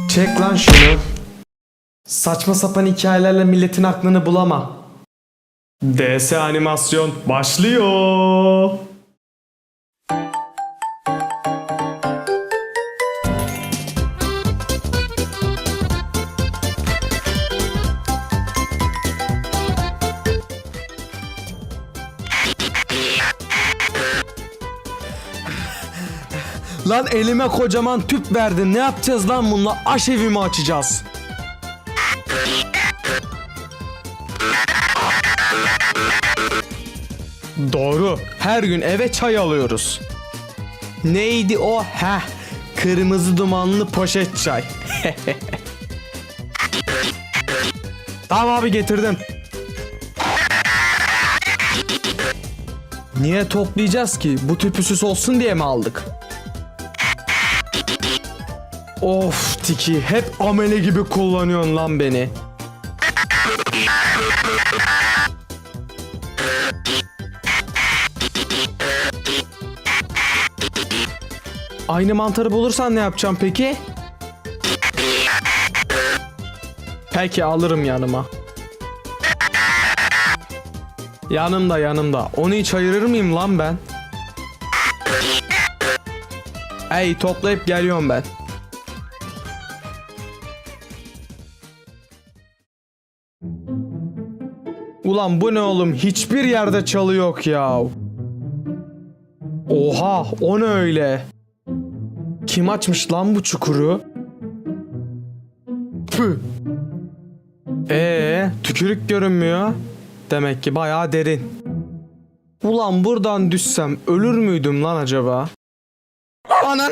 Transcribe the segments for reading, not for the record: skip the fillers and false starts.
Çek lan şunu. Saçma sapan hikayelerle milletin aklını bulama. DS animasyon başlıyor. Lan elime kocaman tüp verdin. Ne yapacağız lan bununla? Aşevi mi açacağız? Doğru. Her gün eve çay alıyoruz. Neydi o? Heh. Kırmızı dumanlı poşet çay. Tamam abi, getirdim. Niye toplayacağız ki? Bu tüpü süs olsun diye mi aldık? Of Tiki, hep amele gibi kullanıyorsun lan beni. Aynı mantarı bulursan ne yapacağım peki? Peki, alırım yanıma. Yanımda. Onu hiç ayırır mıyım lan ben? Ey, toplayıp geliyorum ben. Ulan bu ne oğlum? Hiçbir yerde çalı yok ya. Oha, o ne öyle? Kim açmış lan bu çukuru? Püh. Tükürük görünmüyor. Demek ki bayağı derin. Ulan buradan düşsem ölür müydüm lan acaba? Ananı!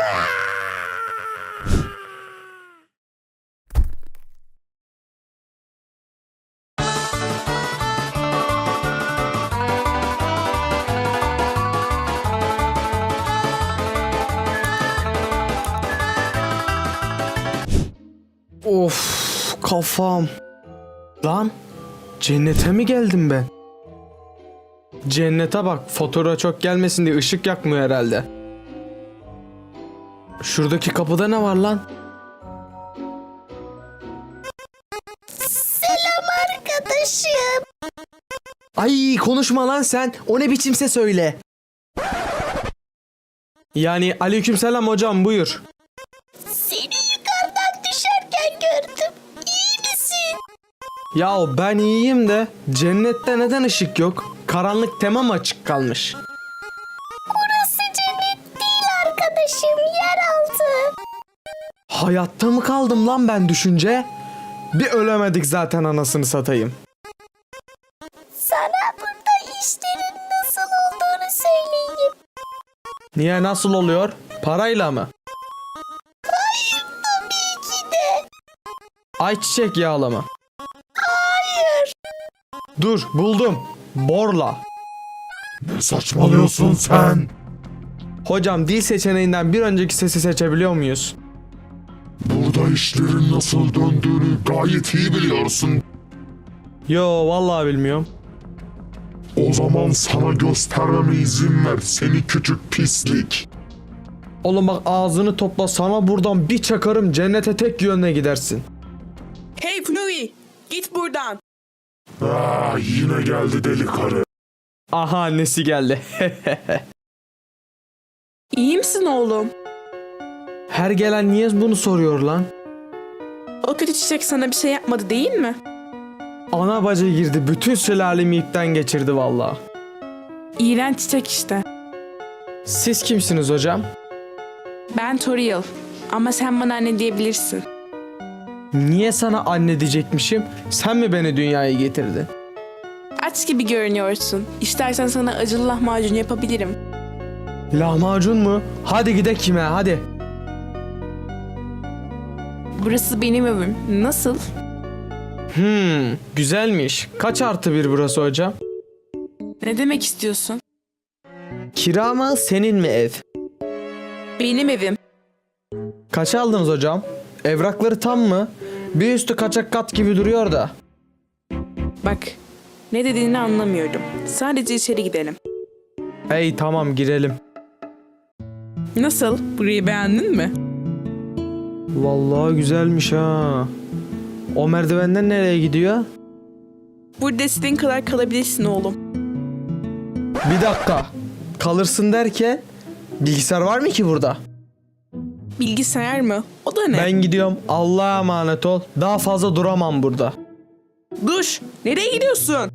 Of, kafam. Lan, cennete mi geldim ben? Cennete bak, fotoğrafa çok gelmesin diye ışık yakmıyor herhalde. Şuradaki kapıda ne var lan? Selam arkadaşım. Ay, konuşma lan sen. O ne biçimse söyle. Yani aleykümselam hocam, buyur. Seni yukarıdan düşerken gördüm. İyi misin? Ya ben iyiyim de cennette neden ışık yok? Karanlık temam açık kalmış. Burası cennet değil arkadaşım. Yeraltı. Hayatta mı kaldım lan ben düşünce? Bir ölemedik zaten, anasını satayım. Sana burada işlerin nasıl olduğunu söyleyeyim. Niye, nasıl oluyor? Parayla mı? Hayır, tabii ki de. Ayçiçek yağlı mı? Hayır. Dur, buldum. Borla. Ne saçmalıyorsun sen? Hocam, dil seçeneğinden bir önceki sesi seçebiliyor muyuz? Burada işlerin nasıl döndüğünü gayet iyi biliyorsun. Yo, vallahi bilmiyorum. O zaman sana göstermeme izin ver seni küçük pislik. Oğlum bak, ağzını topla, sana buradan bir çakarım, cennete tek yönüne gidersin. Hey Flurry, git buradan. Yine geldi deli karı. Aha, annesi geldi. İyi misin oğlum? Her gelen niye bunu soruyor lan? O kötü çiçek sana bir şey yapmadı değil mi? Ana bacı girdi, bütün sülalemi ipten geçirdi vallahi. İğrenç çiçek işte. Siz kimsiniz hocam? Ben Toriel ama sen bana anne diyebilirsin. Niye sana anne diyecekmişim? Sen mi beni dünyaya getirdin? Aç gibi görünüyorsun. İstersen sana acılı lahmacun yapabilirim. Lahmacun mu? Hadi gidelim kime, hadi. Burası benim evim. Nasıl? Güzelmiş. Kaç artı bir burası hocam? Ne demek istiyorsun? Kira mı, senin mi ev? Benim evim. Kaç aldınız hocam? Evrakları tam mı? Bir üstü kaçak kat gibi duruyor da. Bak, ne dediğini anlamıyorum. Sadece içeri gidelim. Hey, tamam, girelim. Nasıl? Burayı beğendin mi? Vallahi güzelmiş ha. O merdivenden nereye gidiyor? Burada istediğin kadar kalabilirsin oğlum. Bir dakika. Kalırsın derken bilgisayar var mı ki burada? Bilgisayar mı? O da ne? Ben gidiyorum. Allah'a emanet ol. Daha fazla duramam burada. Duş! Nereye gidiyorsun?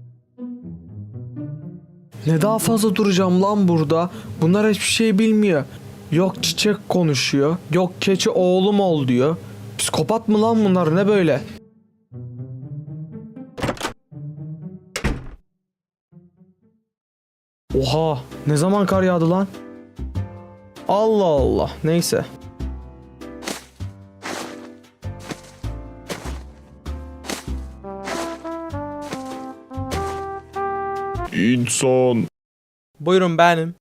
Ne daha fazla duracağım lan burada? Bunlar hiçbir şey bilmiyor. Yok çiçek konuşuyor. Yok keçi oğlum ol diyor. Psikopat mı lan bunlar, ne böyle? Oha, ne zaman kar yağdı lan? Allah Allah, neyse. İnsan. Buyurun, benim.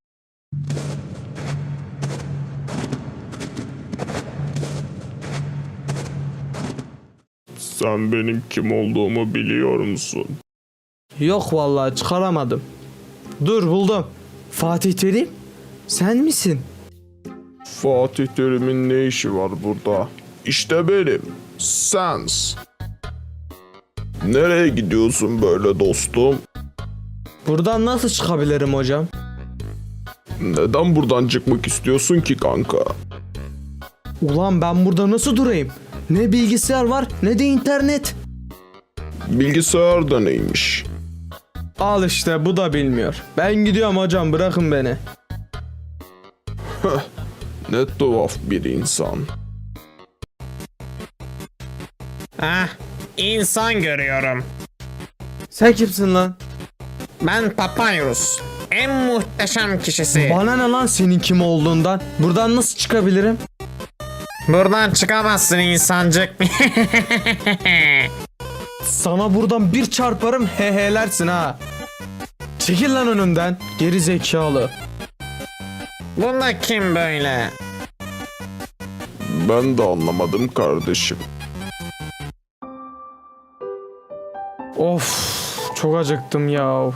Sen benim kim olduğumu biliyor musun? Yok vallahi, çıkaramadım. Dur, buldum. Fatih Terim, sen misin? Fatih Terim'in ne işi var burada? İşte benim. Sens. Nereye gidiyorsun böyle dostum? Buradan nasıl çıkabilirim hocam? Neden buradan çıkmak istiyorsun ki kanka? Ulan ben burada nasıl durayım? Ne bilgisayar var ne de internet. Bilgisayar da neymiş? Al işte, bu da bilmiyor. Ben gidiyorum hocam, bırakın beni. Ne tuhaf bir insan. Ah, insan görüyorum. Sen kimsin lan? Ben Papyrus. En muhteşem kişisi. Bana ne lan senin kim olduğundan? Buradan nasıl çıkabilirim? Buradan çıkamazsın insancık. Sana buradan bir çarparım, hehelersin ha. Çekil lan önümden, geri zekalı. Bunda kim böyle? Ben de anlamadım kardeşim. Of, çok acıktım ya.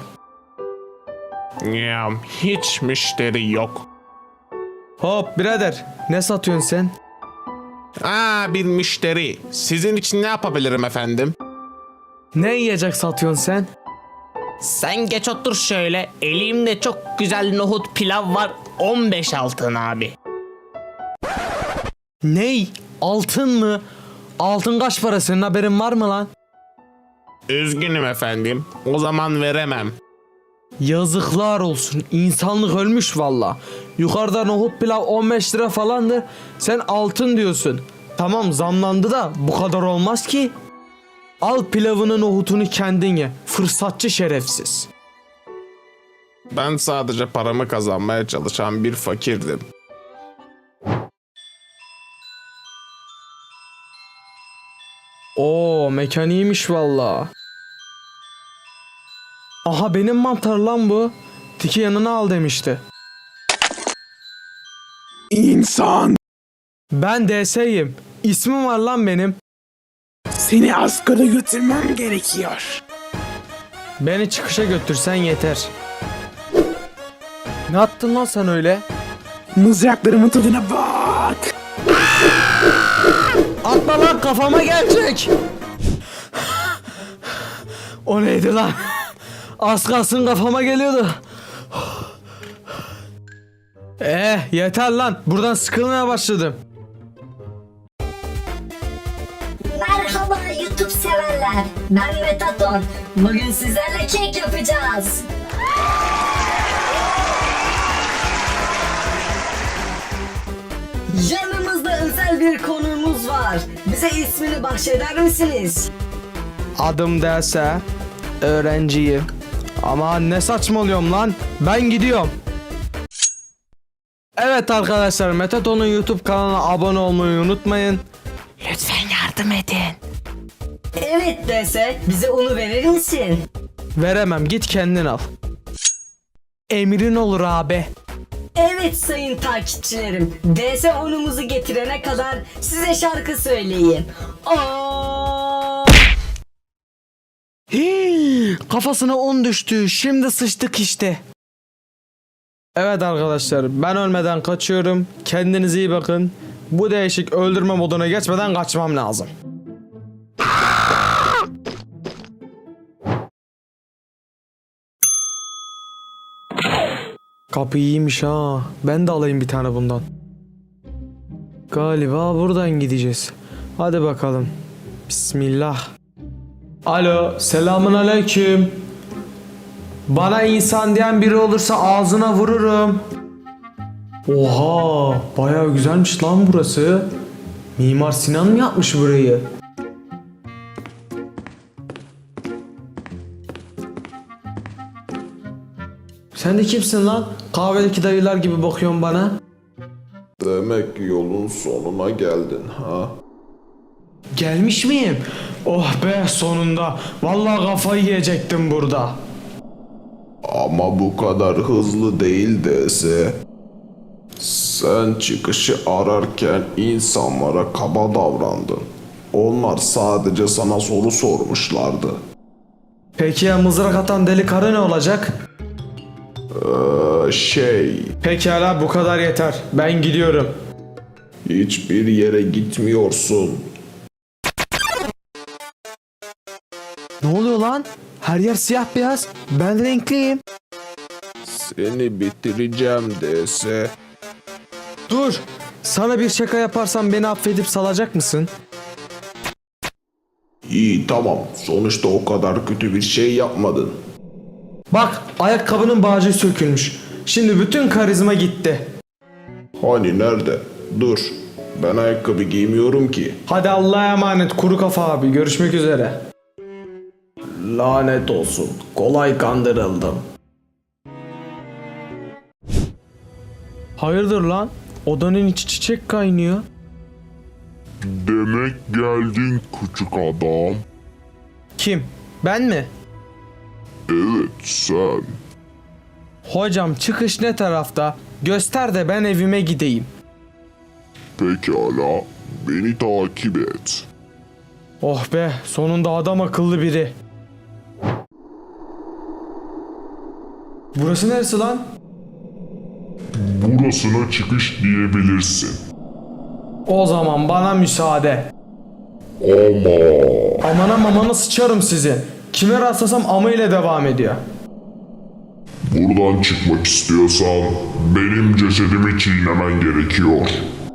Ya hiç müşteri yok. Hop birader, ne satıyorsun sen? Aa, bir müşteri. Sizin için ne yapabilirim efendim? Ne yiyecek satıyorsun sen? Sen geç otur şöyle. Elimde çok güzel nohut pilav var. 15 altın abi. Ney? Altın mı? Altın kaç para, senin haberin var mı lan? Üzgünüm efendim. O zaman veremem. Yazıklar olsun, insanlık ölmüş valla. Yukarıda nohut pilav 15 lira falandır. Sen altın diyorsun. Tamam, zamlandı da bu kadar olmaz ki. Al pilavını nohutunu kendin ye. Fırsatçı şerefsiz. Ben sadece paramı kazanmaya çalışan bir fakirdim. Oo, mekan iyiymiş valla. Aha, benim mantar lan bu. Tiki yanına al demişti. İnsan, Ben DS'yim. İsmim var lan benim. seni askara götürmem gerekiyor. Beni çıkışa götürsen yeter. Ne attın lan sen öyle? Mızraklarımın tadına bak. Atma lan, kafama gelecek. O neydi lan? Az kalsın kafama geliyordu. Yeter lan. Buradan sıkılmaya başladım. Merhaba YouTube severler. Ben Metaton. Bugün sizlerle kek yapacağız. Yanımızda özel bir konuğumuz var. Bize ismini bahşeder misiniz? Adım derse öğrenciyim. Ama ne saçmalıyorum lan? Ben gidiyorum. Evet arkadaşlar, Metaton'un YouTube kanalına abone olmayı unutmayın. Lütfen yardım edin. Evet dese bize onu verir misin? Veremem, git kendin al. Emrin olur abi. Evet sayın takipçilerim. DS onumuzu getirene kadar size şarkı söyleyeyim. Aa! Hii, kafasına un düştü. Şimdi sıçtık işte. Evet arkadaşlar, ben ölmeden kaçıyorum. Kendinize iyi bakın. Bu değişik öldürme moduna geçmeden kaçmam lazım. Kapı iyiymiş ha. Ben de alayım bir tane bundan. Galiba buradan gideceğiz. Hadi bakalım. Bismillah. Alo, selamun aleyküm. Bana insan diyen biri olursa ağzına vururum. Oha, bayağı güzelmiş lan burası. Mimar Sinan mı yapmış burayı? Sen de kimsin lan? Kahvedeki dayılar gibi bakıyorsun bana. Demek yolun sonuna geldin ha? Gelmiş miyim? Oh be sonunda. Vallahi kafayı yiyecektim burada. Ama bu kadar hızlı değil dese. Sen çıkışı ararken insanlara kaba davrandın. Onlar sadece sana soru sormuşlardı. Peki ya mızrak atan deli karı ne olacak? Pekala bu kadar yeter. Ben gidiyorum. Hiçbir yere gitmiyorsun. Ne oluyor lan? Her yer siyah beyaz. Ben renkliyim. Seni bitireceğim dese. Dur. Sana bir şaka yaparsam beni affedip salacak mısın? İyi tamam. Sonuçta o kadar kötü bir şey yapmadın. Bak ayakkabının bağcığı sökülmüş. Şimdi bütün karizma gitti. Hani nerede? Dur. Ben ayakkabı giymiyorum ki. Hadi Allah'a emanet kuru kafa abi. Görüşmek üzere. Lanet olsun. Kolay kandırıldım. Hayırdır lan? Odanın içi çiçek kaynıyor. Demek geldin küçük adam. Kim? Ben mi? Evet sen. Hocam çıkış ne tarafta? Göster de ben evime gideyim. Pekala. Beni takip et. Oh be sonunda adam akıllı biri. Burası neresi lan? Burasına çıkış diyebilirsin. O zaman bana müsaade. Ama Amana mamana sıçarım sizi. Kime rastlasam ama ile devam ediyor. buradan çıkmak istiyorsan benim cesedimi çiğnemen gerekiyor.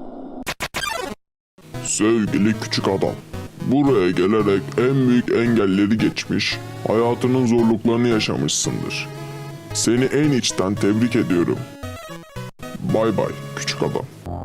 Sevgili küçük adam, buraya gelerek en büyük engelleri geçmiş, hayatının zorluklarını yaşamışsındır. Seni en içten tebrik ediyorum. Bay bay küçük adam.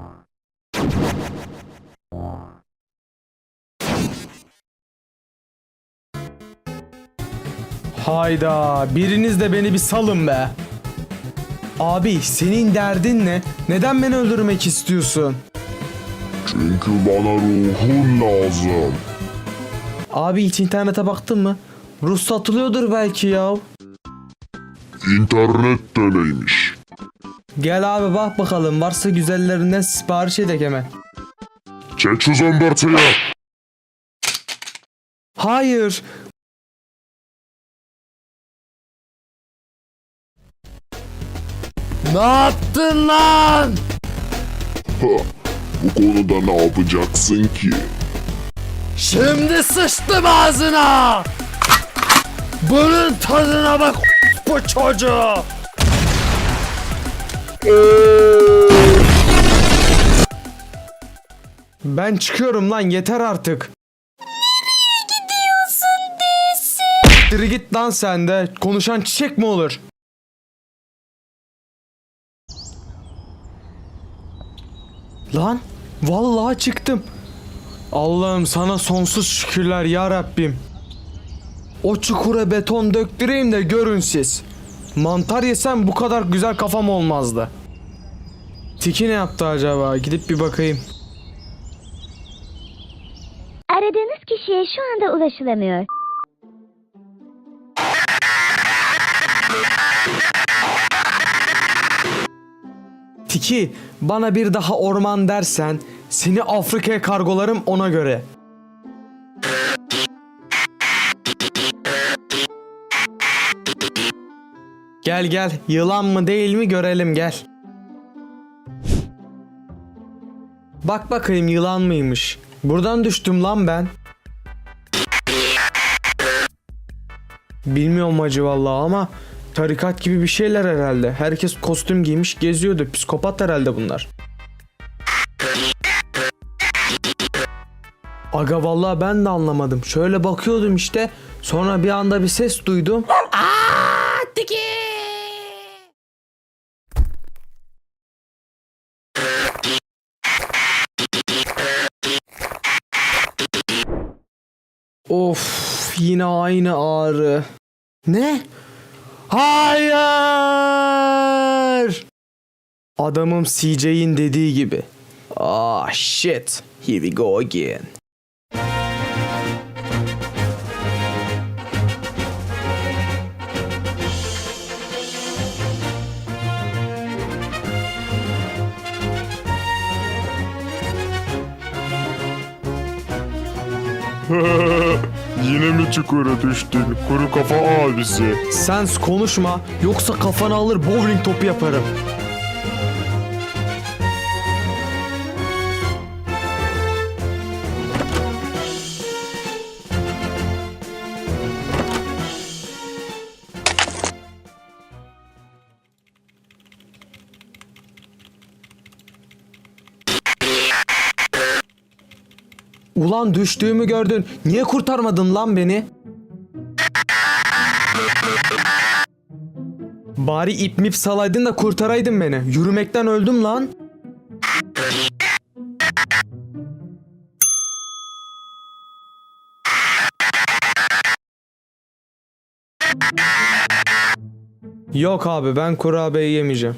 Hayda biriniz de beni bir salın be. Abi senin derdin ne? Neden beni öldürmek istiyorsun? Çünkü bana ruhun lazım. Abi hiç internete baktın mı? Rus satılıyordur belki ya. İnternet de neymiş? Gel abi bak bakalım varsa güzellerinden sipariş edek hemen. Çek şu zombertayı. Hayır. Ne yaptın lan? Ha, bu konuda ne yapacaksın ki? Şimdi sıçtım ağzına. Bunun tadına bak bu çocuğu. Ben çıkıyorum lan yeter artık. Nereye gidiyorsun desin? Diri git lan sen de. Konuşan çiçek mi olur? Lan vallahi çıktım. Allah'ım sana sonsuz şükürler ya Rabbim. O çukura beton döktüreyim de görün siz. Mantar yesem bu kadar güzel kafam olmazdı. Tiki ne yaptı acaba? Gidip bir bakayım. Aradığınız kişiye şu anda ulaşılamıyor. Tiki bana bir daha orman dersen seni Afrika'ya kargolarım ona göre. Gel gel yılan mı değil mi görelim gel. Bak bakayım yılan mıymış? Buradan düştüm lan ben. Bilmiyorum acı vallahi ama tarikat gibi bir şeyler herhalde. Herkes kostüm giymiş geziyordu. Psikopat herhalde bunlar. Aga vallahi ben de anlamadım. Şöyle bakıyordum işte. Sonra bir anda bir ses duydum. Of, yine aynı ağrı. Ne? Hayır! Adamım CJ'in dediği gibi. Ah shit. Here we go again. Yine mi çukura düştün? Kuru kafa abisi. Sen konuşma yoksa kafanı alır bowling topu yaparım. Ulan düştüğümü gördün. Niye kurtarmadın lan beni? Bari ip mip salaydın da kurtaraydın beni. Yürümekten öldüm lan. Yok abi ben kurabiye yemeyeceğim.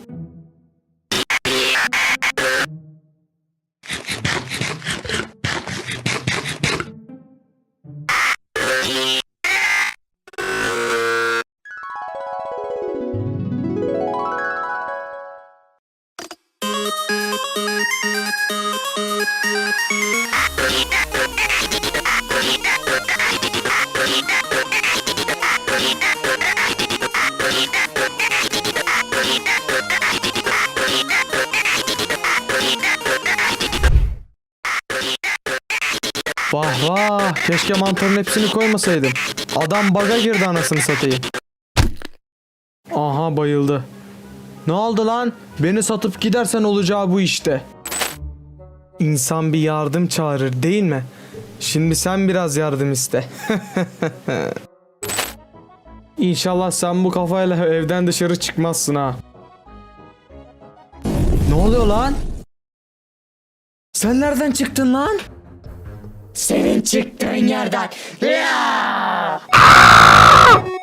Vah vah, keşke mantarın hepsini koymasaydım. Adam baga girdi anasını satayım. Aha bayıldı. Ne oldu lan? Beni satıp gidersen olacağı bu işte. İnsan bir yardım çağırır değil mi? Şimdi sen biraz yardım iste. İnşallah sen bu kafayla evden dışarı çıkmazsın ha. Ne oluyor lan? Sen nereden çıktın lan? Senin çıktığın yerden.